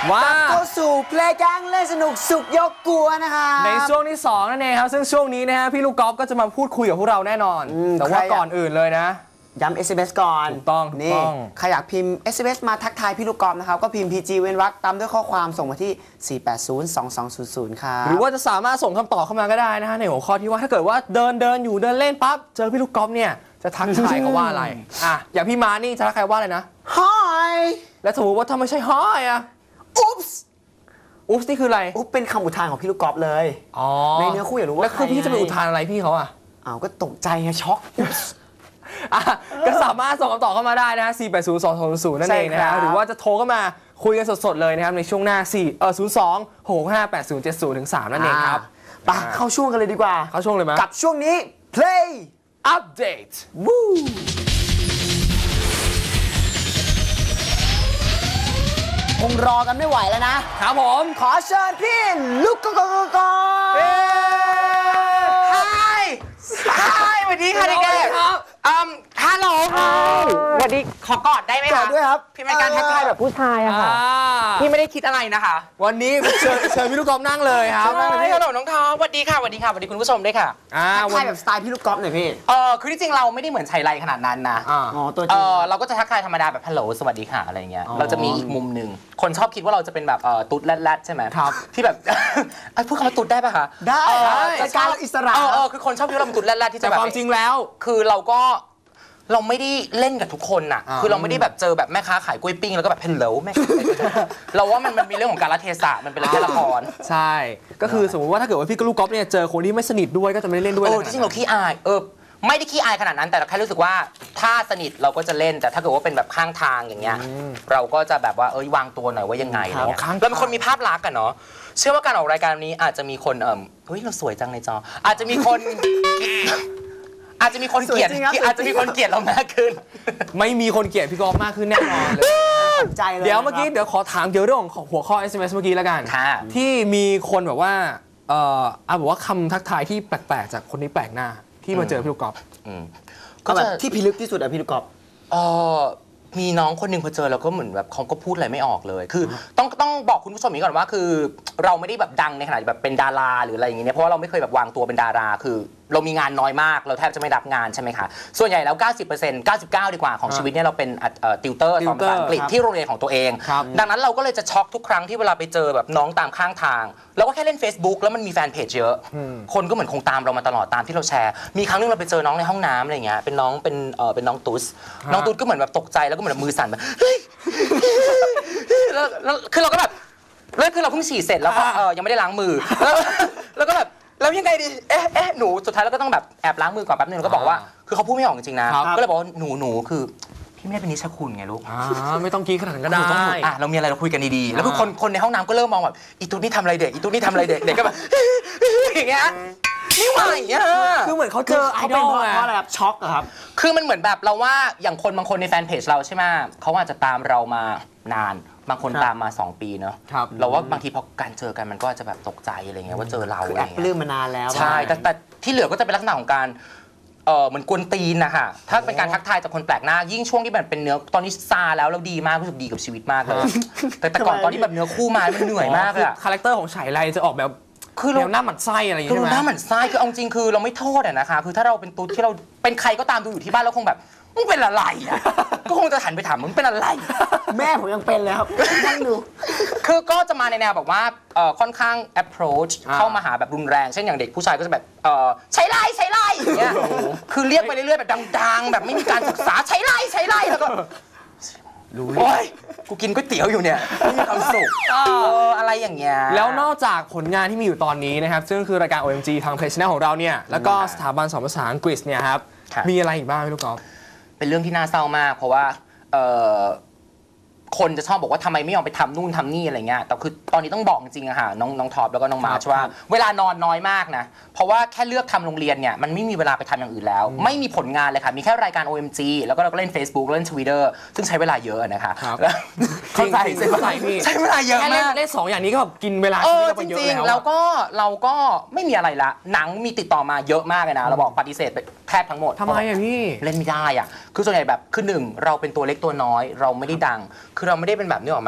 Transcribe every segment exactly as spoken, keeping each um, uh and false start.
ว่าเข้าสู่เพลงแกงเล่นสนุกสุกยกกลัวนะคะในช่วงที่สองนั่นเองครับซึ่งช่วงนี้นะฮะพี่ลูกกอล์ฟก็จะมาพูดคุยกับพวกเราแน่นอนแต่ว่าก่อนอื่นเลยนะย้ำ เอส เอ็ม เอส ก่อนถูกต้องนี่ใครอยากพิมพ์ เอส เอ็ม เอส มาทักทายพี่ลูกกอล์ฟนะครับก็พิมพ์ พี จี เว้นวรรคตามด้วยข้อความส่งมาที่สี่ แปด ศูนย์ สอง สอง ศูนย์ ศูนย์ครับหรือว่าจะสามารถส่งคำตอบเข้ามาก็ได้นะฮะในหัวข้อที่ว่าถ้าเกิดว่าเดินเดินอยู่เดินเล่นปั๊บเจอพี่ลูกกอล์ฟเนี่ยจะทักทายเขาว่าอะไรอ่ะอย่างพี่มานี่จะทักทายว่าอะไรนะ Hi แล้วสมมติว่าถ้าไม่ใช่ Hi อ่ะ Oops อุ๊บนี่คืออะไรอุ๊บเป็นคำอุทานของพี่ลูกกอล์ฟเลยอ๋อในเนื้อคู่อยากรู้ว่าแล้วคือพี่จะไปอุทานอะไรพี่เขาอ่ะอ้าวก็ตกใจไงช็อกก็สามารถส่งคำตอบเข้ามาได้นะฮะสี่ แปด ศูนย์ สอง สอง ศูนย์ ศูนย์นั่นเองนะฮะหรือว่าจะโทรเข้ามาคุยกันสดๆเลยนะครับในช่วงหน้าสี่เออศูนย์ สอง หก ห้า แปด ศูนย์ เจ็ด ศูนย์ ถึง สามนั่นเองครับไปเข้าช่วงกันเลยดีกว่าเข้าช่วงเลยมั้ยกับช่วงนี้ Play Update วู้คงรอกันไม่ไหวแล้วนะครับผมขอเชิญพี่ลูกกอล์ฟ Hi Hi สวัสดีค่ะเด็กๆอืมฮัลโหลสวัสดีขอกอดได้ไหมคะกอดด้วยครับพี่เป็นการทักทายแบบผู้ชายอะค่ะพี่ไม่ได้คิดอะไรนะคะวันนี้เชิญเชิญพี่ลูกกอล์ฟนั่งเลยครับฮัลโหลน้องทอมสวัสดีค่ะสวัสดีค่ะสวัสดีคุณผู้ชมด้วยค่ะทักทายแบบสไตล์พี่ลูกกอล์ฟหน่อยพี่เออคือที่จริงเราไม่ได้เหมือนชัยไรขนาดนั้นนะอ๋อตัวจริงเออเราก็จะทักทายธรรมดาแบบฮัลโหลสวัสดีค่ะอะไรเงี้ยเราจะมีอีกมุมหนึ่งคนชอบคิดว่าเราจะเป็นแบบเออตุ๊ดแรดๆใช่ไหมครับที่แบบไอ้พูดคำว่าตุ๊ดได้ป่ะคะได้รายการอิสระเออเออคือคนชอบคิดว่าเราเป็นตุ๊ดแรดๆที่จะแบบความจริงแล้วคือเราก็เราไม่ได้เล่นกับทุกคนน่ะคือเราไม่ได้แบบเจอแบบแม่ค้าขายกล้วยปิ้งแล้วก็แบบเพนเลวแม่ค้าเราว่ามันมันมีเรื่องของการละเทศะมันเป็นเรื่องละครใช่ก็คือสมมติว่าถ้าเกิดว่าพี่กับลูกกอล์ฟเนี่ยเจอคนที่ไม่สนิทด้วยก็จะไม่ได้เล่นด้วยเออจริงๆเราขี้อายเออไม่ได้ขี้อายขนาดนั้นแต่เราแค่รู้สึกว่าถ้าสนิทเราก็จะเล่นแต่ถ้าเกิดว่าเป็นแบบข้างทางอย่างเงี้ยเราก็จะแบบว่าเอ้ยวางตัวหน่อยว่ายังไงอะไรเงี้ยเราเป็นคนมีภาพลักษณ์กันเนาะเชื่อว่าการออกรายการนี้อาจจะมีคนเออเฮ้ยเราสวยจังในจออาจจะมีคนอาจจะมีคนเกลียดอาจจะมีคนเกลียดเรามากขึ้นไม่มีคนเกลียดพี่กอล์ฟมากขึ้นแน่นอนเลยใจเลยเดี๋ยวเมื่อกี้เดี๋ยวขอถามเกี่ยวเรื่องของหัวข้อ เอส เอ็ม เอส เมื่อกี้แล้วกันที่มีคนแบบว่าเอ่อเอาบอกว่าคำทักทายที่แปลกๆจากคนที่แปลกหน้าที่มาเจอพี่ลูกกอล์ฟก็แบบที่พิลึกที่สุดอะพี่ลูกกอล์ฟเออมีน้องคนหนึ่งพอเจอแล้วก็เหมือนแบบเขาก็พูดอะไรไม่ออกเลยคือต้องต้องบอกคุณผู้ชมอย่างนี้ก่อนว่าคือเราไม่ได้แบบดังในขนาดแบบเป็นดาราหรืออะไรอย่างเงี้ยเพราะว่าเราไม่เคยแบบวางตัวเป็นดาราคือเรามีงานน้อยมากเราแทบจะไม่รับงานใช่ไหมคะส่วนใหญ่แล้ว เก้าสิบเปอร์เซ็นต์ เก้าสิบเก้า ดีกว่าของชีวิตเนี่ยเราเป็นติวเตอร์สอนภาษาอังกฤษที่โรงเรียนของตัวเองดังนั้นเราก็เลยจะช็อกทุกครั้งที่เวลาไปเจอแบบน้องตามข้างทางเราก็แค่เล่น Facebook แล้วมันมีแฟนเพจเยอะคนก็เหมือนคงตามเรามาตลอดตามที่เราแชร์มีครั้งนึงเราไปเจอน้องในห้องน้ำอะไรเงี้ยเป็นน้องเป็นเออเป็นน้องตุ๊สน้องตุ๊สก็เหมือนแบบตกใจแล้วก็เหมือนมือสั่นแบบเฮ้ยแล้วคือเราก็แบบแล้วคือเราเพิ่งฉี่เสร็จแล้วก็เออยังไม่ได้ล้างมือแล้วแล้วก็แบบแล้วยังไงดีเอ๊ะเอ๊ะหนูสุดท้ายเราก็ต้องแบบแอบล้างมือก่อนแป๊บนึงแล้วก็บอกว่าคือเขาพูดไม่ออกจริงๆนะก็เลยบอกว่าหนูหนูคือพี่ไม่ได้เป็นนิชคุณไงลูกไม่ต้องกี้ขนาดนั้นก็ได้อ่ะเรามีอะไรเราคุยกันดีๆแล้วคือคนคนในห้องน้ำก็เริ่มมองแบบอีตุ๊ดนี่ทำอะไรเด็กอีตุ๊ดนี่ทำอะไรเด็กเด็กก็แบบอย่างเงี้ยนี่ว่าอย่างเงี้ยคือเหมือนเขาเจอไอดอลเพราะอะไรครับช็อกเหรอครับคือมันเหมือนแบบเราว่าอย่างคนบางคนในแฟนเพจเราใช่ไหมเขาอาจจะตามเรามานานบางคนตามมาสองปีเนอะเราว่าบางทีพอการเจอกันมันก็จะแบบตกใจอะไรเงี้ยว่าเจอเราคือแอบปลื้มมานานแล้วใช่แต่แต่ที่เหลือก็จะเป็นลักษณะของการเออเหมือนกวนตีนนะคะถ้าเป็นการทักทายจากคนแปลกหน้ายิ่งช่วงที่แบบเป็นเนื้อตอนนี้ซาแล้วเราดีมากรู้สึกดีกับชีวิตมากเลยแต่แต่ก่อนตอนที่แบบเนื้อคู่มามันเหนื่อยมากเลยคาแรคเตอร์ของฉายไรจะออกแบบคือเราหน้าหมันไส้อะไรอย่างเงี้ยคือหน้าหมันไส้คือเอาจริงคือเราไม่โทษอะนะคะคือถ้าเราเป็นตุ๊ดที่เราเป็นใครก็ตามดูอยู่ที่บ้านแล้วคงแบบมึงเป็นอะไรอ่ะก็คงจะหันไปถามมึงเป็นอะไรแม่ผมยังเป็นเลยครับนั่งดูคือก็จะมาในแนวแบบว่าค่อนข้าง approach เข้ามาหาแบบรุนแรงเช่นอย่างเด็กผู้ชายก็จะแบบใช้ไล่ใช้ไล่อย่างเงี้ยคือเรียกไปเรื่อยๆแบบดังๆแบบไม่มีการศึกษาใช้ไล่ใช้ไล่แล้วก็รู้โอ้ยกูกินก๋วยเตี๋ยวอยู่เนี่ยไม่มีความสุขอะไรอย่างเงี้ยแล้วนอกจากผลงานที่มีอยู่ตอนนี้นะครับซึ่งคือรายการ โอ เอ็ม จี ทาง Play Channel ของเราเนี่ยแล้วก็สถาบันสอนภาษาอังกฤษเนี่ยครับมีอะไรอีกบ้างพี่ลูกกอล์ฟเป็นเรื่องที่น่าเศร้ามากเพราะว่าคนจะชอบบอกว่าทำไมไม่ยอมไปทำนู่นทำนี่อะไรเงี้ยแต่คือตอนนี้ต้องบอกจริงอะค่ะน้องน้องท็อปแล้วก็น้องมาร์ชว่าเวลานอนน้อยมากนะเพราะว่าแค่เลือกทำโรงเรียนเนี่ยมันไม่มีเวลาไปทำอย่างอื่นแล้วไม่มีผลงานเลยค่ะมีแค่รายการ โอ เอ็ม จี แล้วก็เราก็เล่น Facebook เล่น Twitter ซึ่งใช้เวลาเยอะนะคะเข้าใจใช้เวลาใช้เวลาเยอะมากเล่นสองอย่างนี้ก็กินเวลาจริงๆแล้วก็เราก็ไม่มีอะไรละหนังมีติดต่อมาเยอะมากเลยนะเราบอกปฏิเสธแทบทั้งหมดทำไมอะพี่เล่นไม่ได้อะคือส่วนใหญ่แบบคือหนึ่งเราเป็นตัวเล็กตัวน้อยเราไม่ได้ดังคือเราไม่ได้เป็นแบบนี้ออกมา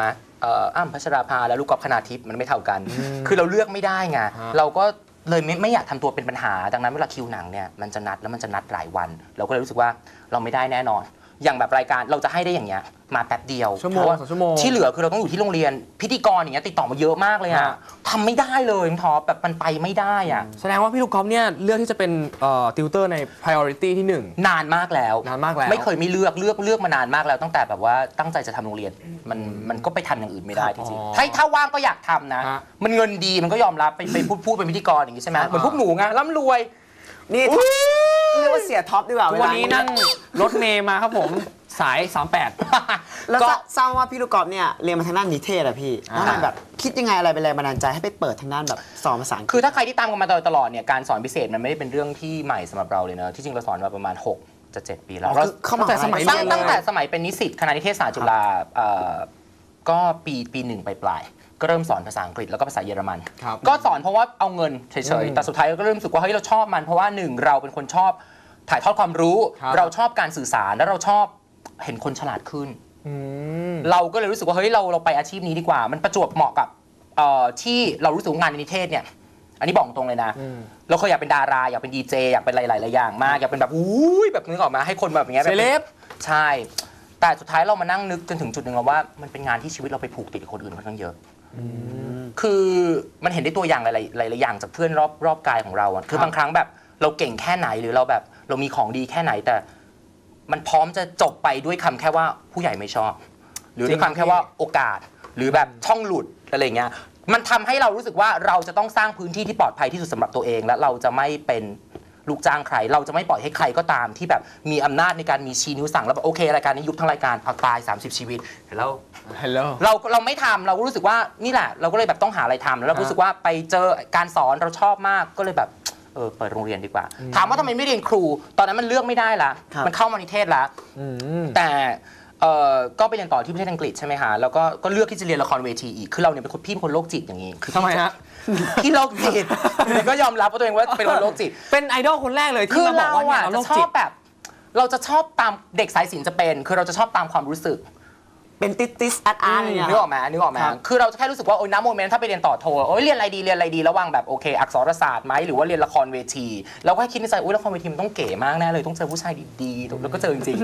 เอ่ออ้ำพัชราภาและลูกกอล์ฟคณาทิพย์มันไม่เท่ากัน คือเราเลือกไม่ได้ไงเราก็เลยไม่ไม่อยากทำตัวเป็นปัญหาดังนั้นเวลาคิวหนังเนี่ยมันจะนัดแล้วมันจะนัดหลายวัน เราก็เลยรู้สึกว่าเราไม่ได้แน่นอนอย่างแบบรายการเราจะให้ได้อย่างเงี้ยมาแป๊บเดียวชั่วโมงสองชั่วโมงที่เหลือคือเราต้องอยู่ที่โรงเรียนพิธีกรอย่างเงี้ยติดต่อมาเยอะมากเลยอะทำไม่ได้เลยท็อปแบบมันไปไม่ได้อะแสดงว่าพี่ลูกกอล์ฟเนี่ยเลือกที่จะเป็นเอ่อติวเตอร์ใน priority ที่หนึ่งนานมากแล้วนานมากแล้วไม่เคยไม่เลือกเลือกเลือกมานานมากแล้วตั้งแต่แบบว่าตั้งใจจะทำโรงเรียนมันมันก็ไปทำอย่างอื่นไม่ได้จริงๆถ้าถ้าว่างก็อยากทำนะมันเงินดีมันก็ยอมรับไปไปพูดพูดเป็นพิธีกรอย่างงี้ใช่ไหมเหมือนพวกหนูไงร่ำรวยนี่เรียกว่าเสียท็อปดีกว่าวันนี้นั่งรถเมย์มาครับผมสายสามแปดแล้วทราบว่าพี่ลูกกอล์ฟเนี่ยเรียนมาทางด้านนิเทศอะพี่แล้วมันแบบคิดยังไงอะไรเป็นแรงบันดาลใจให้ไปเปิดทางด้านแบบสอนภาษาอังกฤษคือถ้าใครที่ตามกันมาตลอดเนี่ยการสอนพิเศษมันไม่ได้เป็นเรื่องที่ใหม่สำหรับเราเลยนะที่จริงเราสอนมาประมาณหกจะเจ็ดปีแล้วเข้ามาแต่สมัยตั้งตั้งแต่สมัยเป็นนิสิตคณะนิเทศศาสตร์จุฬาก็ปีปีหนึ่งปลายก็เริ่มสอนภาษาอังกฤษแล้วก็ภาษาเยอรมันก็สอนเพราะว่าเอาเงินเฉยๆแต่สุดท้ายก็เริ่มรู้สึกว่าเฮ้ยเราชอบมันเพราะว่าหนึ่งเราเป็นคนชอบถ่ายทอดความรู้เราชอบการสื่อสารแล้วเราชอบเห็นคนฉลาดขึ้นเราก็เลยรู้สึกว่าเฮ้ยเราเราไปอาชีพนี้ดีกว่ามันประจวบเหมาะกับที่เรารู้สึกงานในนิเทศเนี่ยอันนี้บอกตรงเลยนะเราเคยอยากเป็นดาราอยากเป็นดีเจอยากเป็นหลายๆอย่างมากอยากเป็นแบบอุ้ยแบบนึกออกมาให้คนแบบอย่างเงี้ยเซเลบใช่แต่สุดท้ายเรามานั่งนึกจนถึงจุดหนึ่งแล้วว่ามันเป็นงานที่ชีวิตเราไปผูกติดกับคนอื่นค่อนข้างเยอะคือมันเห็นได้ตัวอย่างหลายๆอย่างจากเพื่อนรอบรอบกายของเราอะคือบางครั้งแบบเราเก่งแค่ไหนหรือเราแบบเรามีของดีแค่ไหนแต่มันพร้อมจะจบไปด้วยคำแค่ว่าผู้ใหญ่ไม่ชอบหรือด้วยคำแค่ว่าโอกาสหรือแบบช่องหลุดอะไรเงี้ยมันทำให้เรารู้สึกว่าเราจะต้องสร้างพื้นที่ที่ปลอดภัยที่สุดสำหรับตัวเองและเราจะไม่เป็นลูกจ้างใครเราจะไม่ปล่อยให้ใครก็ตามที่แบบมีอำนาจในการมีชี้นิ้วสั่งแล้วแบบโอเครายการนี้ยุบทั้งรายการเอาตายสามสิบชีวิตแล้วเราเราไม่ทำเรารู้สึกว่านี่แหละเราก็เลยแบบต้องหาอะไรทำแล้วเรารู้สึกว่าไปเจอการสอนเราชอบมากก็เลยแบบเออเปิดโรงเรียนดีกว่าถามว่าทำไมไม่เรียนครูตอนนั้นมันเลือกไม่ได้ละมันเข้ามานิเทศละแต่ก็ไปเรียนต่อที่ประเทศอังกฤษใช่ไหมฮะแล้วก็ก็เลือกที่จะเรียนละครเวทีอีกคือเราเนี่ยเป็นคนพี่เป็นคนโรคจิตอย่างนี้คือทำไมฮะพี่โรคจิตก็ยอมรับว่าตัวเองว่าเป็นคนโรคจิตเป็นไอดอลคนแรกเลยที่มาบอกว่าเราชอบแบบเราจะชอบตามเด็กสายศิลป์จะเป็นคือเราจะชอบตามความรู้สึกเป็นติสติสอาร์ตอาร์ตเนี่ยนึกออกไหมนึกออกไหมคือเราจะแค่รู้สึกว่าโอ้ยน้ำโมเมนต์ถ้าไปเรียนต่อโทโอ้ยเรียนอะไรดีเรียนอะไรดีระหว่างแบบโอเคอักษรศาสตร์ไหมหรือว่าเรียนละครเวทีเราก็คิดในใจโอ้ยละครเวทีมันต้องเก๋มากแน่เลยต้องเจอผู้ชายดีๆแล้วก็เจอจริง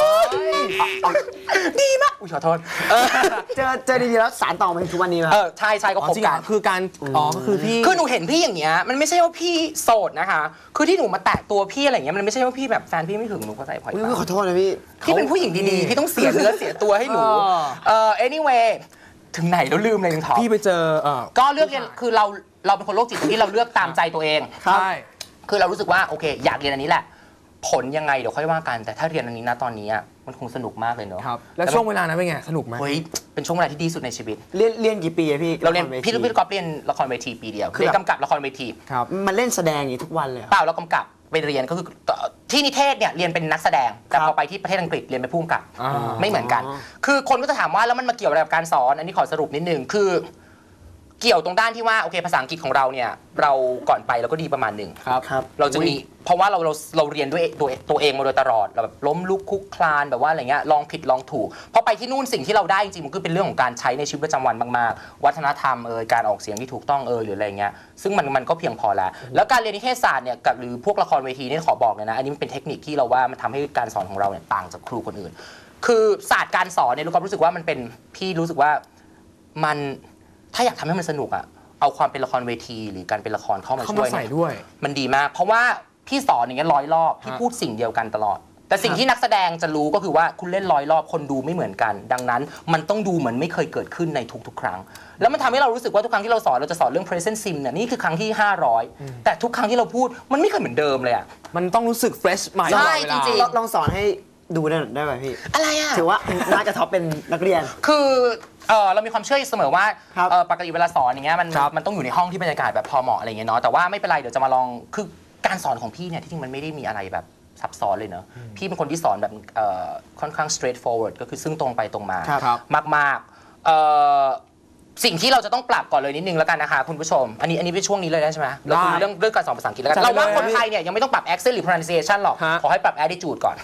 ๆดีมากอุ้ยขอโทษเจอเจอดีๆแล้วสารต่อมาถึงทุกวันนี้มั้ยเออใช่ใช่ก็คบกันคือการอ๋อก็คือพี่คือหนูเห็นพี่อย่างเงี้ยมันไม่ใช่ว่าพี่โสดนะคะคือที่หนูมาแตะตัวพี่อะไรเงี้ยมันไม่ใช่ว่าพี่แบบแฟนพี่ไม่ถึงหนูก็ใจพลอยขอโทษนะพี่พี่เป็นผู้หญิงดีๆพี่ต้องเสียเนื้อเสียตัวให้หนูเอ่อ anyway ถึงไหนแล้วลืมเลยนึงท็อปพี่ไปเจอก็เลือกเรียนคือเราเราเป็นคนโรคจิตที่เราเลือกตามใจตัวเองใช่คือเรารู้สึกว่าโอเคอยากเรียนอันนี้แหละผลยังไงเดี๋ยวค่อยว่ากันแต่ถ้าเรียนอันนี้นะตอนนี้มันคงสนุกมากเลยเนอะครับแล้วช่วงเวลานั้นเป็นไงสนุกไหมเฮ้ยเป็นช่วงเวลาที่ดีสุดในชีวิตเรียนเรียนกี่ปีอะพี่เราเรียนพี่ลูกพี่ก๊อฟเรียนละครเวทีปีเดียวเรียนกำกับละครเวทีครับมันเล่นแสดงอย่างทุกวันเลยเปล่าเรากำกับไปเรียนก็คือที่นิเทศเนี่ยเรียนเป็นนักแสดงแต่พอไปที่ประเทศอังกฤษเรียนเป็นผู้กำกับไม่เหมือนกันคือคนก็จะถามว่าแล้วมันมาเกี่ยวอะไรกับการสอนอันนี้ขอสรุปนิดนึงคือเกี่ยวตรงด้านที่ว่าโอเคภาษาอังกฤษของเราเนี่ยเราก่อนไปเราก็ดีประมาณหนึ่งครับเราจะมีเพราะว่าเราเราเราเรียนด้วยตัวตัวเองมาโดยตลอดเราแบบล้มลุกคุกคลานแบบว่าอะไรเงี้ยลองผิดลองถูกพอไปที่นู่นสิ่งที่เราได้จริงๆมันก็เป็นเรื่องของการใช้ในชีวิตประจำวันมากๆวัฒนธรรมเอ่ยการออกเสียงที่ถูกต้องเอ่ยหรืออะไรเงี้ยซึ่งมันมันก็เพียงพอแล้วแล้วการเรียนนิเทศศาสตร์เนี่ยกับหรือพวกละครเวทีนี่ขอบอกเลยนะอันนี้มันเป็นเทคนิคที่เราว่ามันทำให้การสอนของเราเนี่ยต่างจากครูคนอื่นคือศาสตร์การสอนเนี่ยลูกก็รู้สึกว่ามันเป็นพี่รู้สึกว่ามันถ้าอยากทำให้มันสนุกอะเอาความเป็นละครเวทีหรือการเป็นละครเข้ามาช่วยด้วยมันดีมากเพราะว่าพี่สอนอย่างเงี้ยร้อยรอบพี่พูดสิ่งเดียวกันตลอดแต่สิ่งที่นักแสดงจะรู้ก็คือว่าคุณเล่นร้อยรอบคนดูไม่เหมือนกันดังนั้นมันต้องดูเหมือนไม่เคยเกิดขึ้นในทุกๆครั้งแล้วมันทำให้เรารู้สึกว่าทุกครั้งที่เราสอนเราจะสอนเรื่อง present sim เนี่ยนี่คือครั้งที่ห้าร้อยแต่ทุกครั้งที่เราพูดมันไม่เคยเหมือนเดิมเลยอ่ะมันต้องรู้สึก fresh ใหม่ใช่จริงๆลองสอนให้ดูได้ได้ไหมพี่อะไรอ่ะถือว่าน่าจะท็อปเป็นนักเรียนคือเออเรามีความเชื่อเสมอว่าปกติเวลาสอนอย่างเงี้ยมันมันต้องอยู่ในห้องที่บรรยากาศแบบพอเหมาะอะไรเงี้ยเนาะแต่ว่าไม่เป็นไรเดี๋ยวจะมาลองคือการสอนของพี่เนี่ยที่จริงมันไม่ได้มีอะไรแบบซับซ้อนเลยเนอะพี่เป็นคนที่สอนแบบค่อนข้าง straight forward ก็คือซึ่งตรงไปตรงมามากๆสิ่งที่เราจะต้องปรับก่อนเลยนิดนึงแล้วกันนะคะคุณผู้ชมอันนี้อันนี้เป็นช่วงนี้เลยได้ใช่ไหมเราคุยเรื่องเรื่องการสอนภาษาอังกฤษแล้วกันเราว่าคนไทยเนี่ยยังไม่ต้องปรับ accent หรือ pronunciation หรอกขอให้ปรับ attitude ก่อน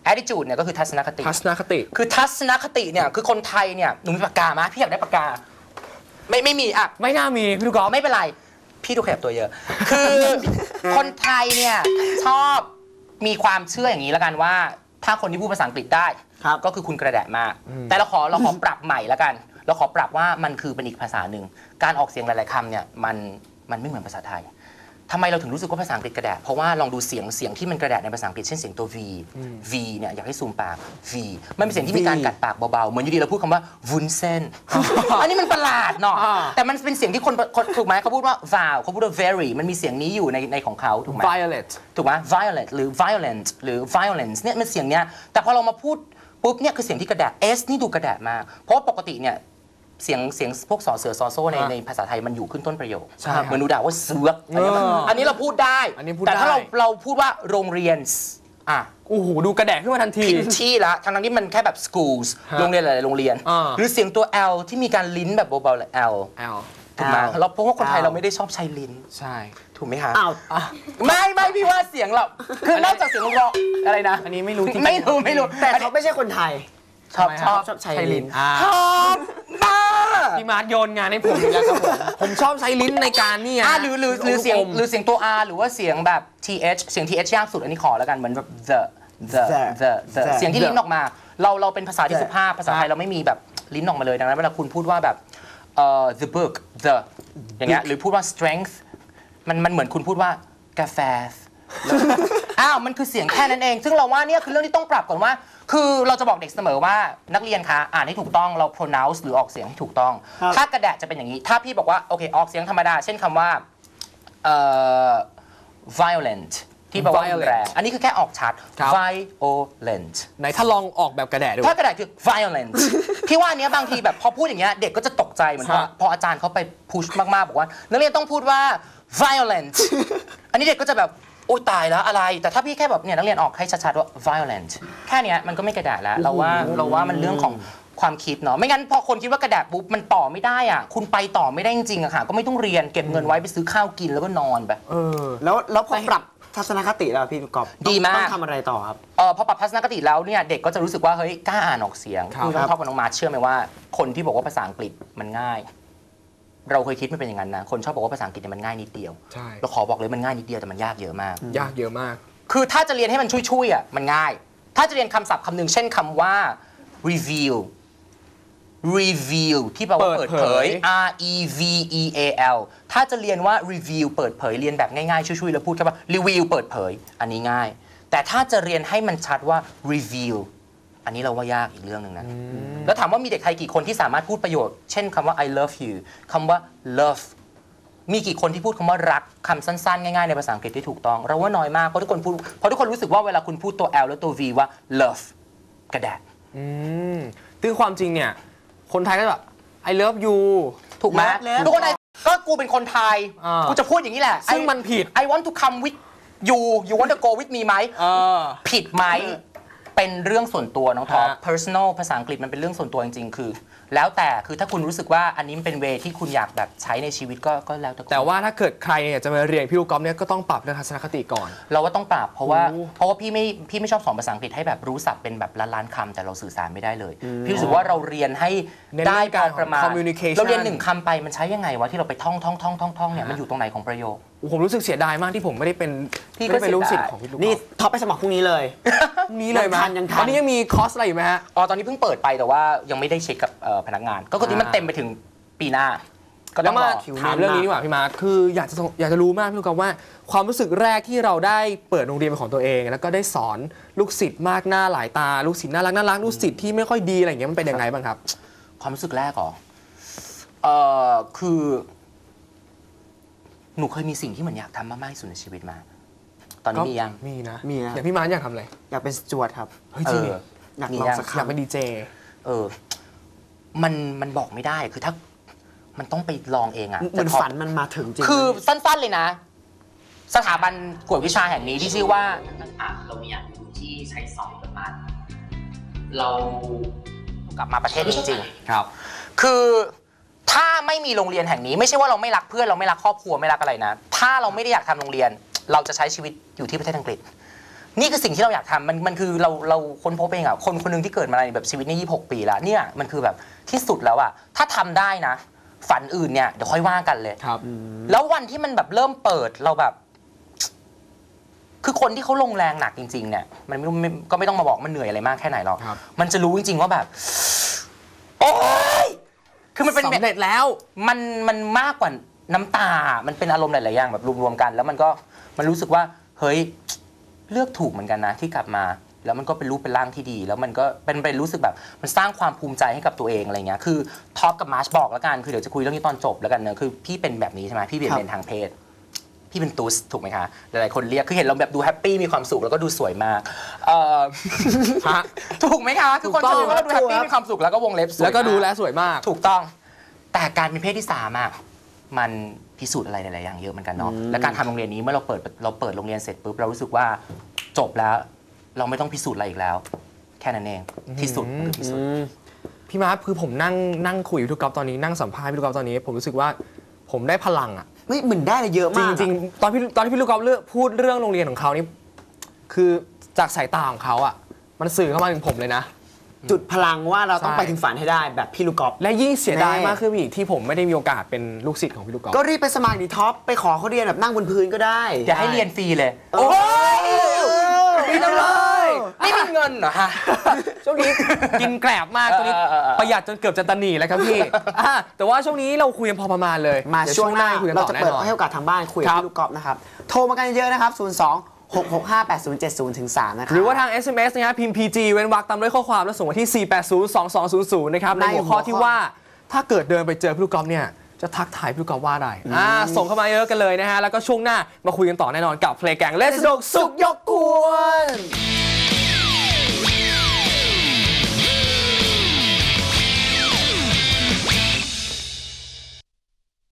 attitude เนี่ยก็คือทัศนคติทัศนคติคือทัศนคติเนี่ยคือคนไทยเนี่ยหนูมีปากกาไหมพี่อยากได้ปากกาไม่ไม่มีอ่ะไม่น่ามีพี่ลูกกอล์ฟไม่เป็นไรพี่ดูขยับตัวเยอะ คือคนไทยเนี่ยชอบมีความเชื่ออย่างนี้แล้วกันว่าถ้าคนที่พูดภาษาอังกฤษได้ก็คือคุณกระแดะมากแต่เราขอเราขอปรับใหม่แล้วกันเราขอปรับว่ามันคือเป็นอีกภาษาหนึ่งการออกเสียงหลายๆคำเนี่ยมันมันไม่เหมือนภาษาไทยทำไมเราถึงรู้สึกว่าภาษาอังกฤษกระแดะเพราะว่าลองดูเสียงเสียงที่มันกระแดะในภาษาอังกฤษเช่นเสียงตัว V V เนี่ยอยากให้ซูมปาก V มันเป็นเสียงที่มีการกัดปากเบาๆเหมือนอยู่ดีเราพูดคำว่าวุ้นเส้น อันนี้มันประหลาดเนาะแต่มันเป็นเสียงที่คนถูกไหมเขาพูดว่า vowel เขาพูดว่า very มันมีเสียงนี้อยู่ในในของเขาถูกไหม violet ถูกไหม violet หรือ violent หรือ violence เนี่ยมันเสียงเนี้ยแต่พอเรามาพูดปุ๊บเนี่ยคือเสียงที่กระแดะ S นี่ดูกระแดะมากเพราะว่าปกติเนี่ยเสียงเสียงพวกสอเสือซอโซ่ในในภาษาไทยมันอยู่ขึ้นต้นประโยคเหมือนหนูด่าว่าเสือกอันนี้อันนี้เราพูดได้แต่ถ้าเราเราพูดว่าโรงเรียนอ่ะโอ้โหดูกระแดะขึ้นมาทันทีพินชี่ละทั้งนั้นที่มันแค่แบบ schools โรงเรียนหลายๆโรงเรียนหรือเสียงตัว L ที่มีการลิ้นแบบเบาๆเลย L L ถูกไหมเราเพราะว่าคนไทยเราไม่ได้ชอบใช้ลิ้นใช่ถูกไหมคะอ้าวไม่ไม่พี่ว่าเสียงเราคือนอกจากเสียงเราอะไรนะอันนี้ไม่รู้จริงๆไม่รู้ไม่รู้แต่เขาไม่ใช่คนไทยชอบชอบชอบใช้ลิ้นชอบบ้าพี่มาร์ทโยนงานให้ผมอีกแล้วครับผมผมชอบใช้ลิ้นในการนี่อ่ะหรือหรือหรือเสียงหรือเสียงตัว R หรือว่าเสียงแบบ th เสียง th ยากสุดอันนี้ขอแล้วกันเหมือนแบบ the the the the เสียงที่ลิ้นออกมาเราเราเป็นภาษาที่สุภาพภาษาไทยเราไม่มีแบบลิ้นออกมาเลยดังนั้นเวลาคุณพูดว่าแบบเอ่อ the book the อย่างเงี้ยหรือพูดว่า strength มันมันเหมือนคุณพูดว่ากาแฟอ้าวมันคือเสียงแค่นั้นเองซึ่งเราว่าเนี่ยคือเรื่องที่ต้องปรับก่อนว่าคือเราจะบอกเด็กเสมอว่านักเรียนคะอ่านให้ถูกต้องเรา pronounce หรือออกเสียงให้ถูกต้องถ้ากระแดะจะเป็นอย่างนี้ถ้าพี่บอกว่าโอเคออกเสียงธรรมดาเช่นคำว่าเอ่อ violent ที่บอกว่ารุนแรงอันนี้คือแค่ออกชัด violent ไหนถ้าลองออกแบบกระแดะดูถ้ากระแดะคือ violent พี่ว่าอันเนี้ยบางทีแบบพอพูดอย่างเงี้ยเด็กก็จะตกใจเหมือนพอพออาจารย์เขาไปพุชมากๆบอกว่านักเรียนต้องพูดว่า violent อันนี้เด็กก็จะแบบโอ้ตายแล้วอะไรแต่ถ้าพี่แค่แบบเนี่ยนักเรียนออกให้ชัดๆว่า violent แค่เนี้ยมันก็ไม่กระแดะแล้วเราว่าเราว่ามันเรื่องของความคิดเนาะไม่งั้นพอคนคิดว่ากระแดะปุ๊บมันต่อไม่ได้อ่ะคุณไปต่อไม่ได้จริงๆอะค่ะก็ไม่ต้องเรียนเก็บเงินไว้ไปซื้อข้าวกินแล้วก็นอนไปเออแล้วแล้วพอปรับทัศนคติแล้วพี่กอบดีมากต้องทำอะไรต่อครับเออพอปรับทัศนคติแล้วเนี่ยเด็กก็จะรู้สึกว่าเฮ้ยกล้าอ่านออกเสียงครับคือน้องท็อปกับน้องมาร์ชเชื่อไหมว่าคนที่บอกว่าภาษาอังกฤษมันง่าย เราเคยคิดมันเป็นอย่างนั้นนะคนชอบบอกว่าภาษาอังกฤษเนี่ยมันง่ายนิดเดียวใช่เราขอบอกเลยมันง่ายนิดเดียวแต่มันยากเยอะมากยากเยอะมากคือถ้าจะเรียนให้มันช่วยๆอ่ะมันง่าย ถ้าจะเรียนคำศัพท์คำหนึ่งเช่นคำว่า reveal reveal ที่แปลว่าเปิดเผย R E V E A L ถ้าจะเรียนว่า reveal เปิดเผยเรียนแบบง่ายๆช่วยๆแล้วพูดแค่ว่า reveal เปิดเผยอันนี้ง่ายแต่ถ้าจะเรียนให้มันชัดว่า reveal อันนี้เราว่ายากอีกเรื่องหนึ่งนะแล้วถามว่ามีเด็กไทยกี่คนที่สามารถพูดประโยชน์เช่นคำว่า I love you คำว่า love มีกี่คนที่พูดคำว่ารักคำสั้นๆง่ายๆในภาษาอังกฤษที่ถูกต้องเราว่าน้อยมากเพราะทุกคนพูดเพราะทุกคนรู้สึกว่าเวลาคุณพูดตัว L แล้วตัว V ว่า love กระแดะอืมซึ่งความจริงเนี่ยคนไทยก็แบบ I love you ถูกไหม Love ทุกคนไทยก็กูเป็นคนไทยอ่ากูกูจะพูดอย่างนี้แหละซึ่งมันผิด I want to come with you you want to go with me ไหมเออผิดไหมเป็นเรื่องส่วนตัวน้องท็อปฮะ personal ภาษาอังกฤษมันเป็นเรื่องส่วนตัวจริงๆคือ แล้วแต่คือถ้าคุณรู้สึกว่าอันนี้มันเป็นเวที่คุณอยากแบบใช้ในชีวิตก็ก็แล้วแต่คุณแต่ว่าถ้าเกิดใครเนี่ยจะมาเรียนพี่ลูกกอล์ฟเนี่ยก็ต้องปรับเรื่องทัศนคติก่อนเราว่าต้องปรับเพราะว่าโอ้เพราะว่าพี่ไม่พี่ไม่ชอบสอนภาษาอังกฤษให้แบบรู้ศัพท์เป็นแบบล้านล้านๆคำแต่เราสื่อสารไม่ได้เลย พี่รู้สึกว่าเราเรียนให้เน้นได้เรื่องพกาอรประมาณ communication เราเรียนหนึ่งคำไปมันใช้ยังไงวะที่เราไปท่องท่องท่องท่องท่องเนี่ยมันอยู่ตรงไหนของประโยคโอ้ผมรู้สึกเสียดายมากที่ผมไม่ได้เป็นพี่ก็ไม่ได้เป็นลูกศิษเสียย์ดายของพี่ลูกกอนี่ล์ฟท็อปไปสมัครพรุ่งนี้เลยพรุ่งนี้เลยไหมยังทันยังทันตอนนี้ยังมีคอร์สอะไรอยู่ไหมฮะอ๋อ ตอนนี้เพิ่งเปิดไปแต่ว่ายังไม่ได้เช็คกับเอ่อพนักงาน ก็คือที่มันเต็มไปถึงปีหน้า ก็ต้แล้อวงรมาอถามเรื่องนี้ดีกว่าพี่มาร์คคืออยากจะอยากจะรู้มากพี่ลูกกอล์ฟว่าความรู้สึกแรกที่เราได้เปิดโรงเรียนเป็นของตัวเอง แล้วก็ได้สอนลูกศิษย์มากหน้าหลายตาลูกศิษย์น่ารักน่ารักลูกศิษย์ที่ไม่ค่อยดีอะไรอย่างเงี้ยมันเป็นยังไงบ้างครับความรู้สึกแรกเหรอเอ่อคือ หนูเคยมีสิ่งที่เหมือนอยากทำมากๆที่สุดในชีวิตมา ตอนนี้มียังมีนะมีนะอย่างพี่มาร์คอยากทำอะไรอยากเป็นสจวตครับเฮ้ยเอจริงอดิอยากมีลองยังสักคอยากเป็นดีเจเออ มันมันบอกไม่ได้คือถ้ามันต้องไปลองเองอะเหมือนแต่พอฝันมันมาถึงจริงคือสั้นๆเลยนะ สถาบันกวดวิชาแห่งนี้ที่ชื่อว่าเรามีอย่างที่ใช้สอนกันมาเรากลับมาประเทศจริงๆครับ คือถ้าไม่มีโรงเรียนแห่งนี้ไม่ใช่ว่าเราไม่รักเพื่อนเราไม่รักครอบครัวไม่รักอะไรนะ ถ้าเราไม่ได้อยากทำโรงเรียน เราจะใช้ชีวิตอยู่ที่ประเทศอังกฤษนี่คือสิ่งที่เราอยากทำมันมันคือเราเราค้นพบเองอะคนคนหนึงที่เกิดมาในแบบชีวิตนี่ยี่สิบหกปีแล้วเนี่ยมันคือแบบที่สุดแล้วอะถ้าทำได้นะ ฝันอื่นเนี่ยเดี๋ยวค่อยว่ากันเลยครับแล้ววันที่มันแบบเริ่มเปิดเราแบบ คือคนที่เขาลงแรงหนักจริงๆเนี่ยมันไม่ไม่ก็ไม่ต้องมาบอกมันเหนื่อยอะไรมากแค่ไหนหรอกครับมันจะรู้จริงๆว่าแบบ โอ๊ยคือมันเป็นสำเร็จแล้วมันมันมากกว่าน้ำตา มันเป็นอารมณ์หลายๆอย่างแบบรวมๆกัน แล้วมันก็มันรู้สึกว่าเฮ้ยเลือกถูกเหมือนกันนะที่กลับมา แล้วมันก็เป็นรูปเป็นร่างที่ดี แล้วมันก็เป็นเป็นรู้สึกแบบมันสร้างความภูมิใจให้กับตัวเองอะไรเงี้ยคือท็อปกับมาร์ชบอกแล้วกันคือเดี๋ยวจะคุยเรื่องนี้ตอนจบแล้วกันเนอะคือพี่เป็นแบบนี้ใช่ไหมพี่เปลี่ยนเป็นทางเพศ พี่เป็นตูสถูกไหมคะหลายๆคนเรียกคือเห็นเราแบบดูแฮปปี้มีความสุขแล้วก็ดูสวยมากเอ่อฮะถูกไหมคะคือคนจะดูว่าเราดูแฮปปี้มีความสุขแล้วก็วงเล็บสวยแล้วก็ดูแลมากสวยมากถูกต้อง แต่การเป็นเพศที่สามอะมันพิสูจน์อะไรหลายๆอย่างเยอะเหมือนกันเนาะและการทำโรงเรียนนี้เมื่อเราเปิดเราเปิดโรงเรียนเสร็จปุ๊บเรารู้สึกว่าจบแล้ว เราไม่ต้องพิสูจน์อะไรอีกแล้ว แค่นั้นเองที่สุดคือที่สุดพี่มาร์คคือผมนั่งนั่งคุยกับพี่ลูกกอล์ฟตอนนี้นั่งสัมภาษณ์พี่ลูกกอล์ฟตอนนี้ ผมรู้สึกว่าผมได้พลังอ่ะเฮ้ยเหมือนได้อะไรเยอะจมากริงๆตอนพี่ตอนที่พี่ลูกกอล์ฟเลือกพูดเรื่องโรงเรียนของเขานี่คือจากสายตาของเขาอ่ะมันสื่อเข้ามาถึงผมเลยนะจุดพลังว่าเราต้องใช่ไปถึงฝันให้ได้แบบพี่ลูกกอล์ฟและยิ่งเสียดายแน่มากขึ้นไปอีกที่ผมไม่ได้มีโอกาสเป็นลูกศิษย์ของพี่ลูกกอล์ฟก็รีบไปสมัครดีท็อปไปขอเขาเรียนแบบนั่งบนพื้นก็ได้อย่าให้เรียนฟรีเลยโอ้ยดีจังเลยนี่มีเงินเหรอฮะช่วงนี้กินแกลบมากช่วงนี้เออเออเออประหยัดจนเกือบจะตันหนีแล้วครับพี่อ่ะแต่ว่าช่วงนี้เราคุยกันพอประมาณเลยมาเดี๋ยช่วงหน้าคุยกันเราต่อจะแน่เปิดนอนให้โอกาสทางบ้านคุยกับครับพี่ลูกกอล์ฟนะครับโทรมากันเยอะนะครับศูนย์ สอง หก หก ห้า แปด ศูนย์ เจ็ด ศูนย์ ถึง สามนะครับหรือว่าทาง เอส เอ็ม เอส นะฮะพิมพ์ พี จี เว้นวรรคตามด้วยข้อความแล้วส่งมาที่ สี่ แปด ศูนย์ สอง สอง ศูนย์ ศูนย์ นะครับในในหัวข้อหัวข้อที่ว่าถ้าเกิดเดินไปเจอพี่ลูกกอล์ฟเนี่ยจะทักทายพี่ลูกกอล์ฟว่าอะไรอ่าส่งเข้ามาเยอะกันเลยนะฮะแล้วก็ช่วงหน้ามาคุยกันต่อแน่นอนกับเพลงแกงเลสนุกสุกยกกวน